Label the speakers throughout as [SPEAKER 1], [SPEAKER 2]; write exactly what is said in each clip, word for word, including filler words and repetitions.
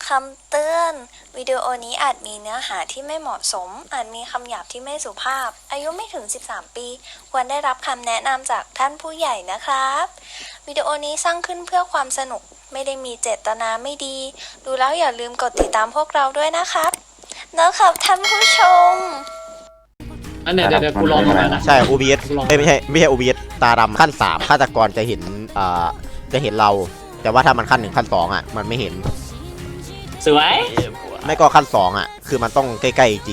[SPEAKER 1] คำเตือนวิดีโอนี้อาจมีเนื้อหาที่ไม่เหมาะสมอาจมีคำหยาบที่ไม่สุภาพอายุไม่ถึงสิบสามปีควรได้รับคำแนะนำจากท่านผู้ใหญ่นะครับวิดีโอนี้สร้างขึ้นเพื่อความสนุกไม่ได้มีเจตนาไม่ดีดูแล้วอย่าลืมกดติดตามพวกเราด้วยนะครับนะครับท่านผู้ชม
[SPEAKER 2] อันเนี้ยเดี๋ยวกูลองมานะ
[SPEAKER 3] ใช่ โอ บี เอส ไม่ใช่ไม่ใช่ โอ บี เอส ตาดำขั้นสามฆาตกรจะเห็นอ่าจะเห็นเราแต่ว่าถ้ามันขั้นหนึ่งขั้นสองอ่ะมันไม่เห็น
[SPEAKER 2] สวย
[SPEAKER 3] ไม่ก็ขั้นสองอ่ะคือมันต้องใกล้ๆจริง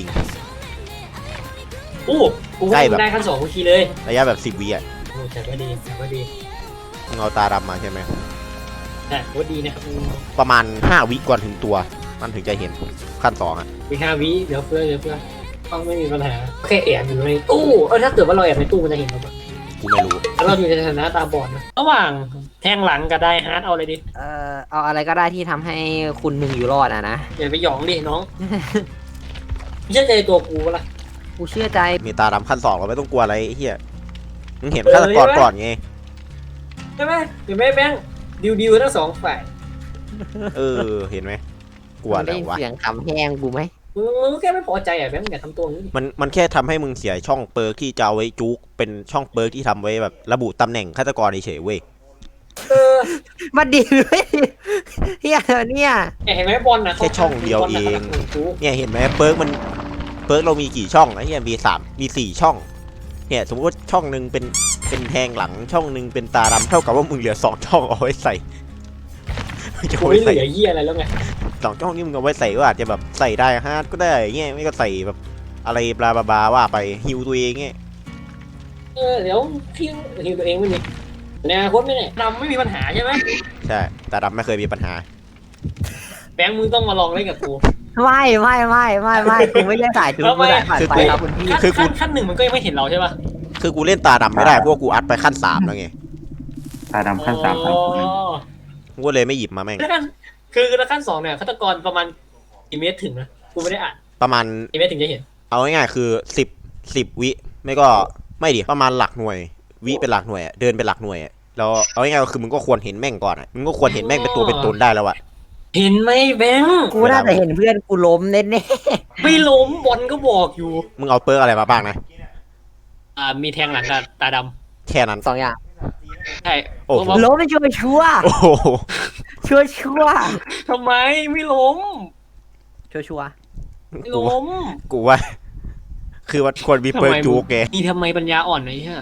[SPEAKER 2] อู้กูใกล้แบบได้ขั้นสองกูขี่เลย
[SPEAKER 3] ระยะแบบสิบวิอ่ะ
[SPEAKER 2] โอ้แต่ว่าดีแต่ว่าดี
[SPEAKER 3] มึงเอาตาดำมาใช่ไหม
[SPEAKER 2] ใช่ว่าดีนะครับ
[SPEAKER 3] ประมาณห้าวิก่อนถึงตัวมันถึงจะเห็นขั้นสองอ่ะ
[SPEAKER 2] มีห้าวิเดี๋ยวเพื่อเดี๋ยวเพื่อต้องไม่มีปัญหาแค่แอบอยู่ในตู้เออถ้าเกิดว่าเราแอบในตู้มันจะเห็นเราปะ
[SPEAKER 3] กูไม่รู้
[SPEAKER 2] แล้วเราอยู่ในสถานะตาบอดนะระหว่างแทงหลังกับได้ฮาร์ดเอาอะไรดิ
[SPEAKER 4] เอ่อเอาอะไรก็ได้ที่ทำให้คุณหนึ่งอยู่รอดอะนะ
[SPEAKER 2] อย่าไปหยองดิน้องเชื่อใจตัวกูปะล่ะ
[SPEAKER 4] กูเชื่อใจ
[SPEAKER 3] มีตาดำขั้นสองเราไม่ต้องกลัวอะไรไอ้เหี้ยมึงเห็นฆาตกรก่อนไง
[SPEAKER 2] ใช่ไหมเห็นไหมแบงค์ดิวดิวทั้งสองฝ่าย
[SPEAKER 3] เออเห็นไหมกลัวอะไรวะ
[SPEAKER 4] เสียงขำแห้งกูไหม
[SPEAKER 2] มึงมึงแค่ไม่พอใจอ่ะแบงค์อย่าทำตัวนี้
[SPEAKER 3] มันมันแค่ทำให้มึงเสียช่องเปิร์กที่จะเอาไว้จุกเป็นช่องเปิร์กที่ทำไว้แบบระบุตำแหน่งฆาตกรเฉยๆเว้ย
[SPEAKER 2] เออ
[SPEAKER 4] มาดีเลยเฮียเนี่ย
[SPEAKER 2] เห็นไหมบอลนะ
[SPEAKER 3] แค่ช่องเดียวเองเนี่ยเห็นไหมเปิร์กมันเปิร์กเรามีกี่ช่องไอ้เหี้ยมีสามมีสี่ช่องเนี่ยสมมติว่าช่องหนึ่งเป็นเป็นแทงหลังช่องหนึ่งเป็นตาดำเท่ากับว่ามึงเหลือสองช่องเอาไว้ใส่
[SPEAKER 2] จะไม่เหลือเหี้ยอะไรแล้วไง
[SPEAKER 3] สองช่องนี้มึงเอาไว้ใส่ก็อาจจะแบบใส่ได้ฮาร์ดก็ได้เงี้ยไม่ก็ใส่แบบอะไรบลาบลาว่าไปฮิวตัวเองเงี้ย
[SPEAKER 2] เออเดี๋ยวฮิวฮิวตัวเองไม่มีในอนาคตไม่เนี่ยดำไม่มีปัญหาใช่ไหม
[SPEAKER 3] ใช่ตาดำไม่เคยมีปัญหา
[SPEAKER 2] แบงค์มึงต้องมาลองเล่นกับกู
[SPEAKER 4] ไม่ไม่ไม่ไม่ไม่กูไม่ได้ถ่ายถึงกูถ่ายผ่านไปครับคุณพี่
[SPEAKER 2] คือขั้นหนึ่งมันก็ยังไม่เห็นเราใช่ป่ะ
[SPEAKER 3] คือกูเล่นตาดำไม่ได้เพราะกูอัดไปขั้นสามแล้วไง
[SPEAKER 5] ตาดำขั้นสามขั้น
[SPEAKER 3] กูเลยไม่หยิบมาแม่ง
[SPEAKER 2] คือขั้นสองเนี่ยฆาตกรประมาณกี่เมตรถึงนะกูไม่ได้อ่าน
[SPEAKER 3] ประมาณ
[SPEAKER 2] กี่เมตรถึงจะเห็น
[SPEAKER 3] เอาง่ายๆคือสิบสิบวิไม่ก็ไม่ดิประมาณหลักหน่วยวิเป็นหลักหน่วยเดินเป็นหลักหน่วยแล้วเอาง่ายๆคือมึงก็ควรเห็นแม่งก่อนมึงก็ควรเห็นแม่งเป็นตัวเป็นตนได้แล้วอะ
[SPEAKER 2] เห็นไหมแบงค์
[SPEAKER 4] กูน่าจะเห็นเพื่อนกูล้มแน่
[SPEAKER 2] ๆไม่ล้มบอลก็บอกอยู่
[SPEAKER 3] มึงเอาเปิร์กอะไรมาบ้างนะ
[SPEAKER 2] อ่ามีแทงหลังกับตาดำ
[SPEAKER 3] แค่นั้น
[SPEAKER 4] สองอย่าง
[SPEAKER 2] ใช่
[SPEAKER 4] โอ้ล้มไม่ชัวร์ชัวร์ชัวร์ชัวร์
[SPEAKER 2] ทำไมไม่ล้ม
[SPEAKER 4] ชัวร์ชัวร์
[SPEAKER 2] ไม่ล้ม
[SPEAKER 3] กูว่าคือว่าควรมีเปิร์กจูแก
[SPEAKER 2] นี่ทำไมปัญญาอ่อนไอ้ฮะ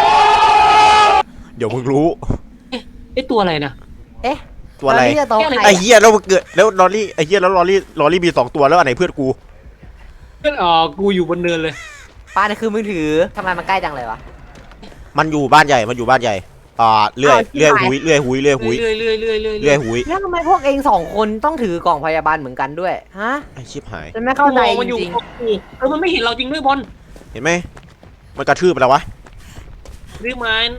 [SPEAKER 3] เดี๋ยวมึงรู้
[SPEAKER 2] ไอ้ตัวอะไรนะ
[SPEAKER 4] เอ๊ะ
[SPEAKER 3] ตัวอะไรไอ้เหี้ยแล้วเกิดแล้วลอรี่ไอ้เหี้ยแล้วลอรี่ลอรี่มีสองตัวแล้วอันไหนเพื่อนกู
[SPEAKER 2] เพื่อนอ๋อกูอยู่บนเนินเลย
[SPEAKER 4] ป้านี่คือมือถือทำไมมันใกล้จังเลยวะ
[SPEAKER 3] มันอยู่บ้านใหญ่มันอยู่บ้านใหญ่อ่าเลื่อยเลื่อยหุยเลื่อยหุยเลื่อยหุย
[SPEAKER 2] เลื่อยเลื่อยเลื่อยเลื่อย
[SPEAKER 3] เลื่อยหุย
[SPEAKER 4] แล้วทำไมพวกเองสองคนต้องถือกล่องพยาบาลเหมือนกันด้วยฮะ
[SPEAKER 3] ไอชิบหาย
[SPEAKER 4] ฉันไม่เข้าใจจริง
[SPEAKER 2] เออมันไม่เห็นเราจริงด้วยบอล
[SPEAKER 3] เห็นไหมมันกระทืบไปแล้ววะ
[SPEAKER 2] รีบมัน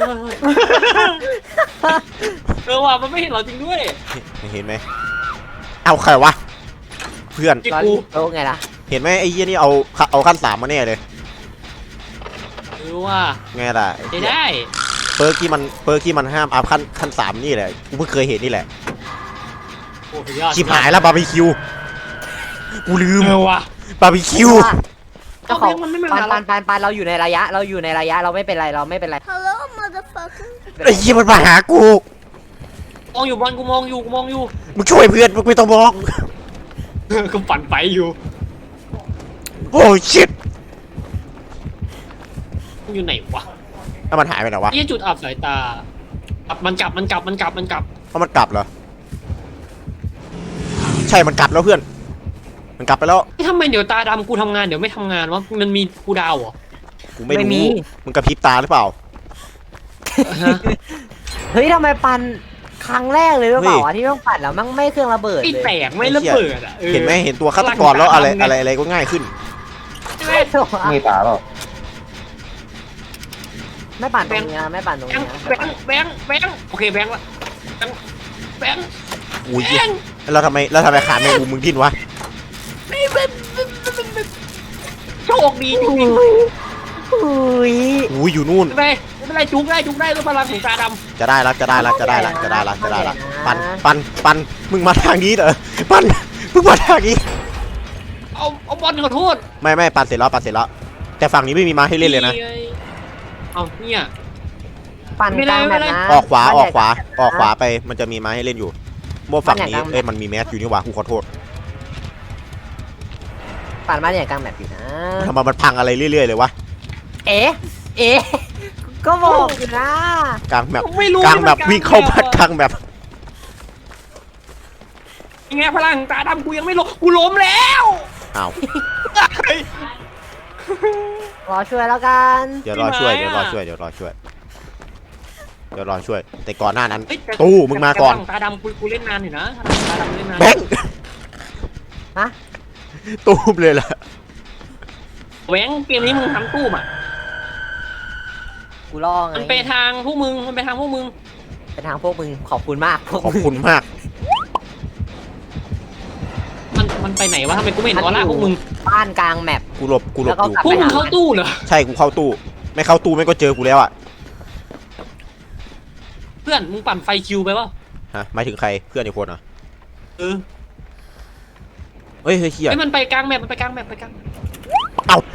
[SPEAKER 2] เออว่ะมันไม่เห็นเราจริงด้วย
[SPEAKER 3] เห็นไหมเอาใครวะเพื่อน
[SPEAKER 4] กูโอ้ไงล่ะ
[SPEAKER 3] เห็นไหมไอ้ยี่นี่เอาเอาขั้นสามมาแน่เลย
[SPEAKER 2] เออว่า
[SPEAKER 3] ไงล่ะ
[SPEAKER 2] ได้
[SPEAKER 3] เปิร์กที่มันเปิร์กที่มันห้ามอัพขั้นขั้นสามนี่แหละกูเพิ่งเคยเห็นนี่แหละชิบหายแล้วบาร์บีคิวกูลืม
[SPEAKER 2] ว่ะ
[SPEAKER 3] บาร์บีคิว
[SPEAKER 4] เจ้าของปานปานปานปานเราอยู่ในระยะเราอยู่ในระยะเราไม่เป็นไรเราไม่เป็นไร
[SPEAKER 1] Hello motherfucker
[SPEAKER 3] ไอ้ยี่มันมาหากู
[SPEAKER 2] มองอยู่บอลกูมองอยู่กูมองอยู่
[SPEAKER 3] มึงช่วยเพื่อนมึงไม่ต้องมอง
[SPEAKER 2] กูปั่นไปอยู่
[SPEAKER 3] โอ้ชิต
[SPEAKER 2] มันอยู่ไหนวะ
[SPEAKER 3] แล้วมันหายไปไหนวะ
[SPEAKER 2] นี่จุดอับสายตามันกลับมันกลับมันกลับมันกลับ
[SPEAKER 3] เพราะมันกลับเหรอใช่มันกลับแล้วเพื่อนมันกลับไปแล้ว
[SPEAKER 2] ทำไมเดี๋ยวตาดำกูทำงานเดี๋ยวไม่ทำงานวะมันมีกูดาวเหรอ
[SPEAKER 3] กูไม่รู้มึงกระพริบตาหรือเปล่า
[SPEAKER 4] เฮ้ยทำไมปันครั้งแรกเลยหรือเปล่าที่ต้องปัดแล้วมั่งไม่เครื่องระเบิด
[SPEAKER 2] ไม่แตกไม่ระเบิดอ่ะ
[SPEAKER 3] เห็นไหมเห็นตัวฆาตกรแล้วอะไรอะไรอะไรก็ง่ายขึ้น
[SPEAKER 5] ไม่ตาหรอก
[SPEAKER 4] ไม่ปั่นตรงนี้ไม่ปั่นตรงนี้
[SPEAKER 2] แบงค์แบงค์แบงค์โอเคแบงค์ละแบงค์แบงค์
[SPEAKER 3] อุ้ยแล้วทำไมแล้วทำไมขาแมงมุมมึงดิ้นวะ
[SPEAKER 2] โชคดีจริง
[SPEAKER 4] ๆอุ้ย
[SPEAKER 3] อุ้ยอยู่นู่น
[SPEAKER 2] ไปไม่เป็นไรจุกได้จุกได้ด้วยพลังของตาด
[SPEAKER 3] จะได้ละจะได้ละจะได้ละจะได้ละจะได้ละปันปันปันมึงมาทางนี้เหรอปันมึงมาทางนี้
[SPEAKER 2] ำเอาเอาบอลขอโทษ
[SPEAKER 3] ไม่ไม่ปันเสร็จแล้วปันเสร็จแล้วแต่ฝั่งนี้ไม่มีม้าให้เล่นเลยนะ
[SPEAKER 2] เอาเนี่ย
[SPEAKER 4] ปั่นกลางแบบนะ
[SPEAKER 3] ออกขวาออกขวาออกขวาไปมันจะมีม้าให้เล่นอยู่โมฝั่งนี้เอ้ยมันมีแมสอยู่นี่หว่ากูขอโทษ
[SPEAKER 4] ปั่นบ้านใหญ่กลางแบบอยู่นะ
[SPEAKER 3] ทำไมมันพังอะไรเรื่อยๆเลยวะ
[SPEAKER 4] เอ๊ะเอ๊ะก็บอกอยู่นะ
[SPEAKER 3] กลางแบบ
[SPEAKER 2] ไม่รู้
[SPEAKER 3] กลางแบบวิ่งเข้าพัดกลางแบบ
[SPEAKER 2] ยังไงพลังตาดำกูยังไม่ล้มกูล้มแล้ว
[SPEAKER 3] อ้าว
[SPEAKER 4] รอช่วยแล้วกัน
[SPEAKER 3] เดี๋ยวรอช่วยเดี๋ยวรอช่วยเดี๋ยวรอช่วยเดี๋ยวรอช่วย แต่ก่อนหน้านั้น
[SPEAKER 2] เฮ้ยแต่
[SPEAKER 3] ตู้มึงมาก่อน
[SPEAKER 2] แต่พลังตาดำกูกูเล่นนานอยู่นะตาดำเล่นนาน
[SPEAKER 3] แบงค์
[SPEAKER 4] ฮะ
[SPEAKER 3] ตู้มเลยล่ะ
[SPEAKER 2] แหวงเกมนี้มึงทำตู้อ่ะ
[SPEAKER 4] กูรอไง
[SPEAKER 2] มันไปทางพวกมึงมันไปทางพวกมึง
[SPEAKER 4] ไปทางพวกมึงขอบคุณมากพวก
[SPEAKER 3] ขอบ
[SPEAKER 4] มึง
[SPEAKER 3] คุณมาก
[SPEAKER 2] มันมันไปไหนวะทำไมกูไม่เห็นออร่าพวกมึง
[SPEAKER 4] บ้านกลางแมป
[SPEAKER 3] กูหลบกูหลบ
[SPEAKER 4] แล้วก็
[SPEAKER 3] อยู่
[SPEAKER 4] กลับ
[SPEAKER 2] พวกมึงเข้าตู้เหรอ
[SPEAKER 3] ใช่กูเข้าตู้ ไม่เข้าตู้ไม่ก็เจอกูแล้วอ่ะ
[SPEAKER 2] เพื่อนมึงปั่นไฟคิวไปวะ
[SPEAKER 3] ฮะหมายถึงใครเพื่อนอีกคนเหรอ่ะ
[SPEAKER 2] เออ
[SPEAKER 3] เฮ้ยเฮ้ยเฮีย
[SPEAKER 2] ไอ้มันไปกลางแมปมันไปกลางแมปไปกลาง
[SPEAKER 3] เอ้า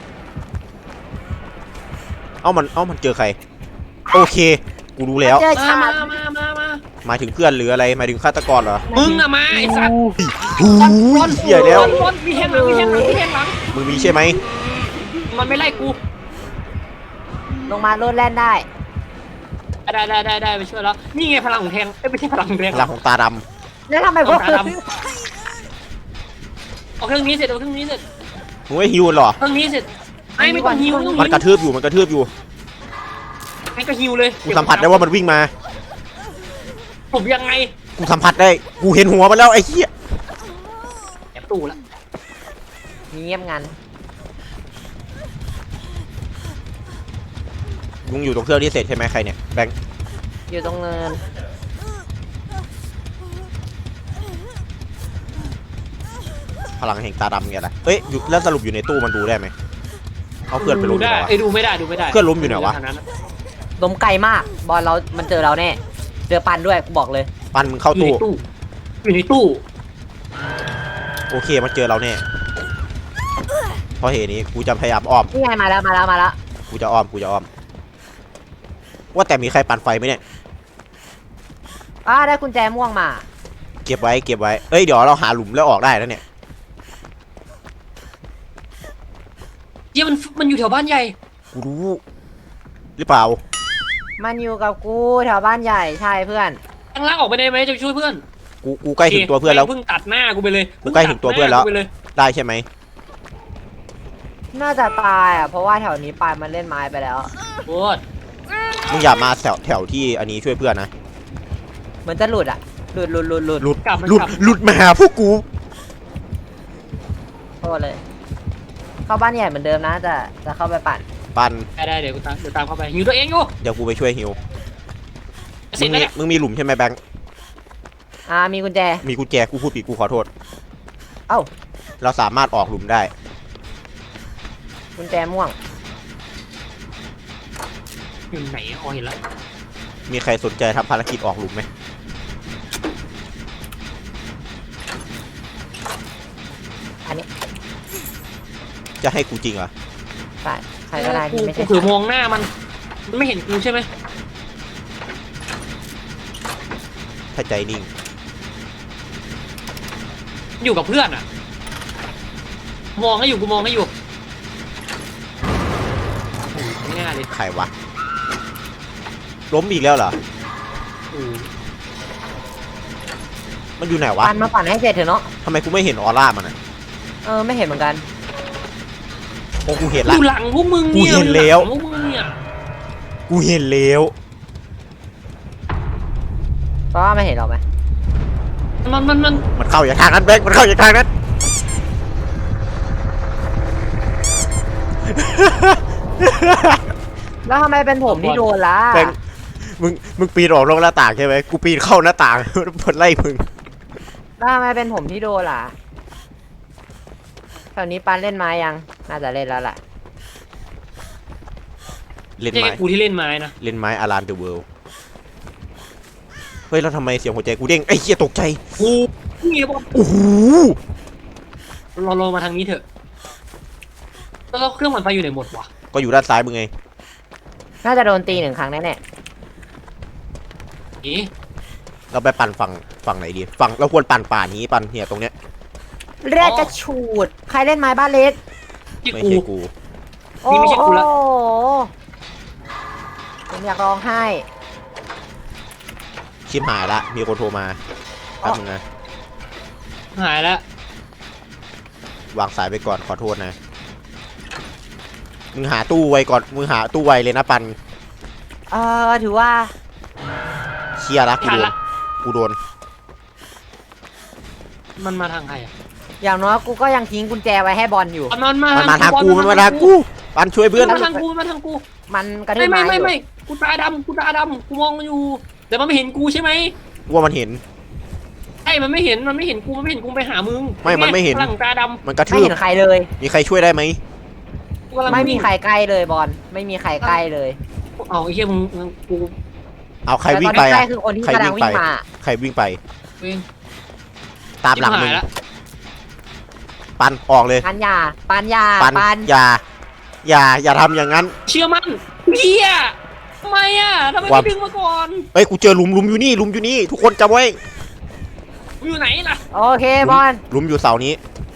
[SPEAKER 3] เอ้ามันเอ้ามันเจอใครโอเคกูรู้แล้ว
[SPEAKER 4] เจอ
[SPEAKER 2] มา
[SPEAKER 4] ชา
[SPEAKER 2] มา
[SPEAKER 4] ติ
[SPEAKER 2] มามามา
[SPEAKER 3] หมายถึงเพื่อนหรืออะไรหมายถึงฆาตกรเหรอ
[SPEAKER 2] มึงอะมาไอ้สัตว์
[SPEAKER 3] หูยเฮียแล้ว
[SPEAKER 2] บอลมีแทงหลังมีแทงหลังมีแทงหลัง
[SPEAKER 3] มึงมีใช่ไหม
[SPEAKER 2] มันไม่ไล่กู
[SPEAKER 4] ลงมาโลดแล่นได้
[SPEAKER 2] ได้ได้ได้ได้ไปช่วยแล้วนี่ไงพลังของแทงเอ้ยไม่ใช่พลังของแทง
[SPEAKER 3] พลังของตาด
[SPEAKER 4] แล้วทำไมพวก
[SPEAKER 2] ตาดำเอาเครื่องนี้เสร็จเอาเครื่องนี้เสร็จ
[SPEAKER 3] ำมึงไม่ฮิวเหรอ
[SPEAKER 2] เครื่องนี้เสร็จไอ้ไม่ต้องฮิวไม่ต้อง
[SPEAKER 3] มัน
[SPEAKER 2] ฮิว
[SPEAKER 3] กระทืบอยู่มันกระทืบอยู่
[SPEAKER 2] ไอ้ก็ฮิวเลย
[SPEAKER 3] กูสัมผัสได้ว่ามันวิ่งมา
[SPEAKER 2] ผมยังไง
[SPEAKER 3] กูสัมผัสได้กูเห็นหัวมันแล้วไอ้เหี้ย
[SPEAKER 2] แอบตู้ละ
[SPEAKER 4] เงียบงัน
[SPEAKER 3] มึงอยู่ตรงเครื่องที่เสร็จใช่ไหมใครเนี่ยแบงค์
[SPEAKER 4] อยู่ตรงเนิน
[SPEAKER 3] พลังแห่งตาดำไงล่ะเอ้ยอยู่แล้วสรุปอยู่ในตู้มันดูได้ไหมเอาเพื่อนไปล
[SPEAKER 2] ดู
[SPEAKER 3] งดี
[SPEAKER 2] ได้
[SPEAKER 3] กว่า
[SPEAKER 2] ไอ้ดูไม่ได้ดูไม่ได้
[SPEAKER 3] เพื่อนล้มอยู่ไหนวะ
[SPEAKER 4] ล้มไกลมาก บอลเรา มันเจอเราแน่ เจอปันด้วยกูบอกเลย
[SPEAKER 3] ปันมึงเข้า
[SPEAKER 2] อยู่
[SPEAKER 3] ตู้
[SPEAKER 2] ในตู้อยู่ในตู้
[SPEAKER 3] โอเคมันเจอเราแน่เพราะเหตุนี้กูจะพยายามอ้อม
[SPEAKER 4] นี่ไงมาแล้วมาแล้วมาแล้ว
[SPEAKER 3] กูจะอ้อมกูจะอ้อมว่าแต่มีใครปั่นไฟไหมเนี่ย
[SPEAKER 4] อ้าได้กุญแจม่วงมา
[SPEAKER 3] เก็บไว้เก็บไว้เอ้ยเดี๋ยวเราหาหลุมแล้วออกได้แล้วเนี่ย
[SPEAKER 2] เยี่ยมันมันอยู่แถวบ้านใหญ่
[SPEAKER 3] กูรู้หรือเปล่า
[SPEAKER 4] มันอยู่กับกูแถวบ้านใหญ่ใช่เพื่อน
[SPEAKER 2] ข้างล่างออกไปได้ไหมจะไปช่วยเพื่อน
[SPEAKER 3] กูกูใกล้ถึงตัวเพื่อนแล้ว
[SPEAKER 2] เพิ่งตัดหน้ากูไปเลย
[SPEAKER 3] กูใกล้ถึงตัวเพื่อนแล้ว
[SPEAKER 2] พิ่งตัดหากูไปเย
[SPEAKER 3] ได้ใช่ไหม
[SPEAKER 4] น่าจะตายอ่ะ เพราะว่าแถวนี้ปลายมันเล่นไม้ไปแล้ว
[SPEAKER 2] โคตร
[SPEAKER 3] มึงอย่ามาแถวแถวที่อันนี้ช่วยเพื่อนนะ
[SPEAKER 4] เหมือนจะหลุดอ่ะ หลุดหลุดหลุดหลุด
[SPEAKER 3] หลุด
[SPEAKER 2] กลับมัน
[SPEAKER 3] หลุด
[SPEAKER 2] กลับ
[SPEAKER 3] หลุดมาหาพวกกู
[SPEAKER 4] โทษเลย เข้าบ้านใหญ่เหมือนเดิมนะจะจะเข้าไปปั่น
[SPEAKER 3] ปัน
[SPEAKER 2] ได้ได้เดี๋ยวกูตามเดี๋ยวตามเข้าไปหิวตัวเองอยู่
[SPEAKER 3] เดี๋ยวกูไปช่วยฮิว
[SPEAKER 2] เสร็
[SPEAKER 3] มึ
[SPEAKER 2] จ
[SPEAKER 3] ง
[SPEAKER 2] แล้ว
[SPEAKER 3] มี
[SPEAKER 2] เนี่ย
[SPEAKER 3] มึงมีหลุมใช่ไหมแบงค์
[SPEAKER 4] อ่ามีกุญแจ
[SPEAKER 3] มีกุญแจกูพูดผิดกูขอโทษ
[SPEAKER 4] เอ้า
[SPEAKER 3] เราสามารถออกหลุมได้
[SPEAKER 4] กุญแจม่วง
[SPEAKER 2] อยู่ไหนอ๋อเห็นแล้ว
[SPEAKER 3] มีใครสนใจทำภารกิจออกหลุมไหม
[SPEAKER 4] อันนี้
[SPEAKER 3] จะให้กูจริงเหรอ
[SPEAKER 4] ใช่ใครก็ได้ที่ไม่
[SPEAKER 2] กู
[SPEAKER 4] ใช่
[SPEAKER 2] ถือมองหน้ามันมันไม่เห็นกูใช่ไหม
[SPEAKER 3] ถ้าใจนิ่ง
[SPEAKER 2] อยู่กับเพื่อนอ่ะ มองให้อยู่กูมองให้อยู่โอ้โหง่ายเลย
[SPEAKER 3] ใครวะล้มอีกแล้วเหรอ
[SPEAKER 2] โอ้โห
[SPEAKER 3] มันอยู่ไหนวะ
[SPEAKER 4] ปั่นมาปั่นให้เสร็จเถอะเนาะ
[SPEAKER 3] ทำไมกูไม่เห็นออร่ามันอ่ะ
[SPEAKER 4] เออไม่เห็นเหมือนกัน
[SPEAKER 3] โอ้กูเห็น
[SPEAKER 2] อ
[SPEAKER 3] ละ
[SPEAKER 2] ยู่หลังพวกมึงเนี่ย
[SPEAKER 3] กูเห็นแล้ว
[SPEAKER 2] อยู่หงพวกมึงเนี่ย
[SPEAKER 3] กูเห็นแล้ว
[SPEAKER 4] เพราะว่าไม่เห็นหรอกไหม
[SPEAKER 2] มันมันมัน
[SPEAKER 3] มันเข้าอย่างทางนั้นแบงค์มันเข้าอย่างทางนั้น
[SPEAKER 4] แล้วทำไมเป็นผมที่โดนล่ะ
[SPEAKER 3] แบงค์มึงมึงปีนออกนอกหน้าต่างใช่ไหมกูปีนเข้าหน้าต่าง มันไล่มึง
[SPEAKER 4] แล้วทำไมเป็นผมที่โดนล่ะแถวนี้ปันเล่นไม้ยัง น่าจะเล่นแล้วแหละ
[SPEAKER 3] เล่น
[SPEAKER 2] ไม่ใช่
[SPEAKER 3] ไม้
[SPEAKER 2] แค่กูที่เล่นไม้นะ
[SPEAKER 3] เล่นไม้อารันเดอะเวิลด์เฮ้ยแล้วทำไมเสียงหัวใจกูเด้งไอ้เหี้ยตกใจ
[SPEAKER 2] กูนี่บอล
[SPEAKER 3] โอ้โห
[SPEAKER 2] เราเรามาทางนี้เถอะแล้วเราเครื่องมันไฟอยู่ไหนหมดวะ
[SPEAKER 3] ก็อยู่ด้านซ้ายมึงไง
[SPEAKER 4] น่าจะโดนตีหนึ่งครั้งแน่
[SPEAKER 2] นี่
[SPEAKER 3] เราไปปั่นฝั่งฝั่งไหนดีฝั่งเราควรปั่นป่านี้ปั่นเนี่ยตรงเนี้ย
[SPEAKER 4] ๆแรกกระฉูดใครเล่นไม้บ้านเล็ก
[SPEAKER 2] ที่
[SPEAKER 3] ไม่
[SPEAKER 2] กู
[SPEAKER 3] ใช่กู
[SPEAKER 4] โอ้
[SPEAKER 2] นี่ไม่ใช่กูละ
[SPEAKER 4] โหผมอยากร้องไห้
[SPEAKER 3] ชิมหายละมีคนโทรมาแป๊บนึงนะ
[SPEAKER 2] หายแล้ว
[SPEAKER 3] วางสายไปก่อนขอโทษนะมึงหาตู้ไว้ก่อนมึงหาตู้ไว้เลยนะปัน
[SPEAKER 4] เออถือว่า
[SPEAKER 3] เชียร์ละกูโดนกูโดน
[SPEAKER 2] มันมาทางใครอ่ะ
[SPEAKER 4] อย่างน้อยกูก็ยังทิ้งกุญแจไว้ให้บอลอยู่
[SPEAKER 2] มันมา
[SPEAKER 3] มันมาทางกูมันมาทางกูปันช่วยเพื่อน
[SPEAKER 2] มันมาทางกูมันมาทางกู
[SPEAKER 4] มันกระทื
[SPEAKER 2] ไม่
[SPEAKER 4] บ
[SPEAKER 2] ไม่
[SPEAKER 4] ไม้
[SPEAKER 2] ไม่
[SPEAKER 4] อยู่
[SPEAKER 2] ไม่กูตาดำกูตาดำกูมองมันอยู่แต่มันไม่เห็นกูใช่ไหม
[SPEAKER 3] กูว่ามันเห็น
[SPEAKER 2] ไอ้มันไม่เห็นมันไม่เห็นกูมันไม่เห็นกูไปหามึง
[SPEAKER 3] ไม่มันไม่เห็น
[SPEAKER 2] ฝรั่งตาด
[SPEAKER 3] มันกระ
[SPEAKER 4] ไม่
[SPEAKER 3] ทืบ
[SPEAKER 4] เห็นใครเลย
[SPEAKER 3] มีใครช่วยได้ไหม
[SPEAKER 2] ำกูกำลัง
[SPEAKER 4] ไม่มีใครใกล้เลยบอลไม่มีใครใกล้เลย
[SPEAKER 2] เอาไอ้เหี้ยมึงมึงกู
[SPEAKER 3] เอาใครวิ่ง
[SPEAKER 4] แต่
[SPEAKER 3] ไป
[SPEAKER 4] ตอนที่ใกล้
[SPEAKER 3] อะ
[SPEAKER 4] คือคนที่
[SPEAKER 3] ใคร
[SPEAKER 4] กำลั
[SPEAKER 3] วิ่
[SPEAKER 4] ง
[SPEAKER 3] งไป
[SPEAKER 4] วิ่งมา
[SPEAKER 3] ใครวิ่งไป
[SPEAKER 2] เอง
[SPEAKER 3] ตามหลังมึง
[SPEAKER 2] ชิบายละ
[SPEAKER 3] ปันออกเลย
[SPEAKER 4] ปันยาปันยา
[SPEAKER 3] ปัน
[SPEAKER 4] ปัน
[SPEAKER 3] อย่าอย่าอย่าทำอย่างนั้น
[SPEAKER 2] เชื่อมั่นเหี้ยทำไมอ่ะทำไม
[SPEAKER 3] ว่า
[SPEAKER 2] ไม่ดึงมาก่อน
[SPEAKER 3] เอ้ยกูเจอหลุมหลุมอยู่นี่หลุมอยู่นี่ทุกคนจำไว้
[SPEAKER 2] กูอยู่ไหนล่ะ
[SPEAKER 4] โอเคบอล
[SPEAKER 3] หลุมอยู่เสานี้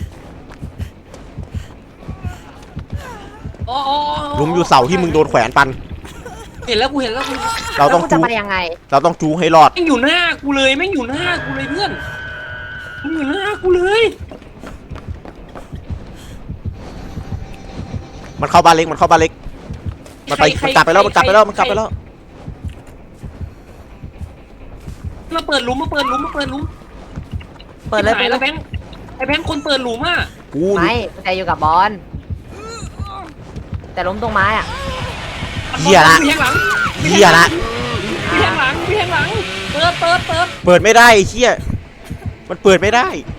[SPEAKER 2] อ๋ออ๋อ
[SPEAKER 3] หลุมอยู่เสาที่มึงโดนแขวนปัน
[SPEAKER 2] เห็นแล้วกูเห็นแล้วกู
[SPEAKER 3] เราต้อง
[SPEAKER 4] แล้วกูจะ
[SPEAKER 3] จู
[SPEAKER 4] ไปยังไง
[SPEAKER 3] เราต้องจูให้รอด
[SPEAKER 2] แม่งอยู่หน้ากูเลยแม่งอยู่หน้ากูเลยเพื่อนมึงอยู่หน้ากูเลย
[SPEAKER 3] มันเข้าบ้านเล็กมันเข้าบ้านเล็กมันไป
[SPEAKER 2] ใคร
[SPEAKER 3] มันกลับไปแล้วมันกลับไปแล้วมันกลับไปแล้ว
[SPEAKER 2] มาเปิดหลุมมาเปิดหลุมมาเปิดหลุม
[SPEAKER 4] เปิดเลย
[SPEAKER 2] ไอ้
[SPEAKER 4] เปิดเล
[SPEAKER 2] แล้ว
[SPEAKER 4] ย
[SPEAKER 2] แบงค์ไอ้แบงค์คนเปิดหลุมอ่ะ
[SPEAKER 3] กู
[SPEAKER 4] ไม่กุญแจอยู่กับบอลแต่ล้มตรงไม้อะ
[SPEAKER 3] เหี้ยละ
[SPEAKER 2] พี่แทงหลัง
[SPEAKER 3] เหี้ยละ
[SPEAKER 2] พี่แทงหลังพี่แทงหลังเปิดเปิดเปิด
[SPEAKER 3] เปิดไม่ได้ไอ้เหี้ยมันเปิดไม่ได้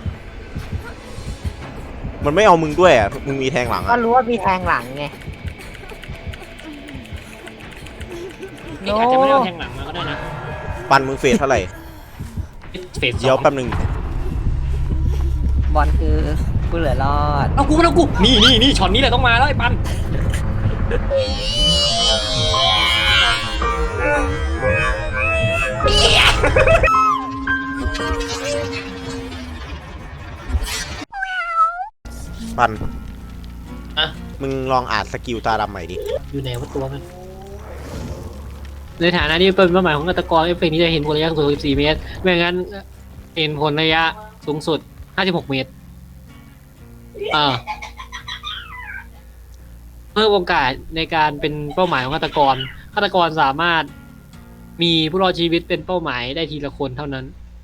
[SPEAKER 3] มันไม่เอามึงด้วยอ่ะมึงมีแทงหลัง
[SPEAKER 4] ก็
[SPEAKER 3] อ่ะ
[SPEAKER 4] รู้ว่ามีแทงหลังไง
[SPEAKER 2] เอ๊ะอาจจะไม่ได้เอาแทงหลังมาก็ได้นะ
[SPEAKER 3] ปันมึงเฟสเท่าไหร่
[SPEAKER 2] เฟสส
[SPEAKER 3] เดี๋ยว
[SPEAKER 2] อง
[SPEAKER 3] แป๊บนึง
[SPEAKER 4] บอลคือกูเหลือรอด
[SPEAKER 2] เอากูเอากูนี่นี่นี่ช็อตนี้แหละต้องมาแล้วไอ้ปัน
[SPEAKER 3] ปัน
[SPEAKER 2] อะ
[SPEAKER 3] มึงลองอ่านสกิลตาดำใหม่ดิ
[SPEAKER 2] อยู่ไหนวะตัวมันในฐานะที่เป็นเป้าหมายของฆาตกรเอฟเฟกต์นี้จะเห็นผลระยะสูงสุดสิบสี่เมตรไม่งั้นเห็นผลระยะสูงสุดห้าสิบหกเมตรอ่าเพิ่มโอกาสในการเป็นเป้าหมายของฆาตกรฆาตกรสามารถมีผู้รอดชีวิตเป็นเป้าหมายได้ทีละคนเท่านั้น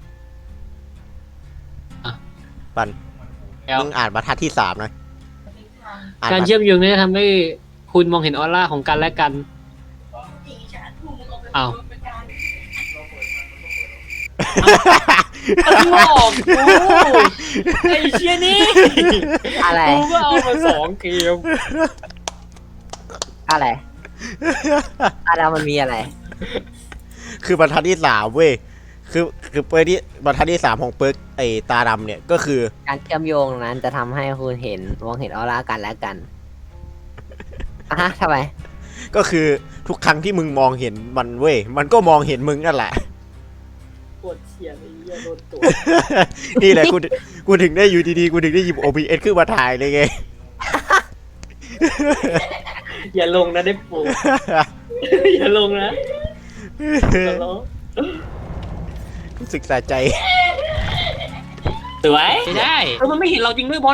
[SPEAKER 3] ปัน
[SPEAKER 2] แล้ว
[SPEAKER 3] มึงอ่านบรรทัดที่สามนะอ่าน
[SPEAKER 2] การ
[SPEAKER 3] บรร
[SPEAKER 2] เชื่อมโยงนี้จะทำให้คุณมองเห็นออร่าของกันและกันอ้าวหลอกกูไอ้เชี่ยนี่
[SPEAKER 4] อะไร
[SPEAKER 2] กูก็เอามาสองเกม
[SPEAKER 4] อะไรอะไรมันมีอะไร
[SPEAKER 3] คือบรรทัดที่สามเว้ยคือคือเปิร์กที่บรรทัดที่สามของเปิร์กไอตาดำเนี่ยก็คือ
[SPEAKER 4] การเชื่อมโยงนั้นจะทำให้คุณเห็นมองเห็นออร่ากันและกันอ่ะฮะทำไม
[SPEAKER 3] ก็คือทุกครั้งที่มึงมองเห็นมันเว้ยมันก็มองเห็นมึงนั่นแหละ
[SPEAKER 2] ปวดเฉียดไอ้เหี้ยโดนตัว
[SPEAKER 3] นี่แหละกูกูถึงได้อยู่ดีๆกูถึงได้หยิบ โอ บี เอส ขึ้นมาถ่ายเลยไง
[SPEAKER 2] อย่าลงนะได้ปูอย่าลงนะอย่าลง
[SPEAKER 3] รู้สึกสะใจ
[SPEAKER 2] สวยได้เออมันไม่เห็นเราจริงด้วยบอล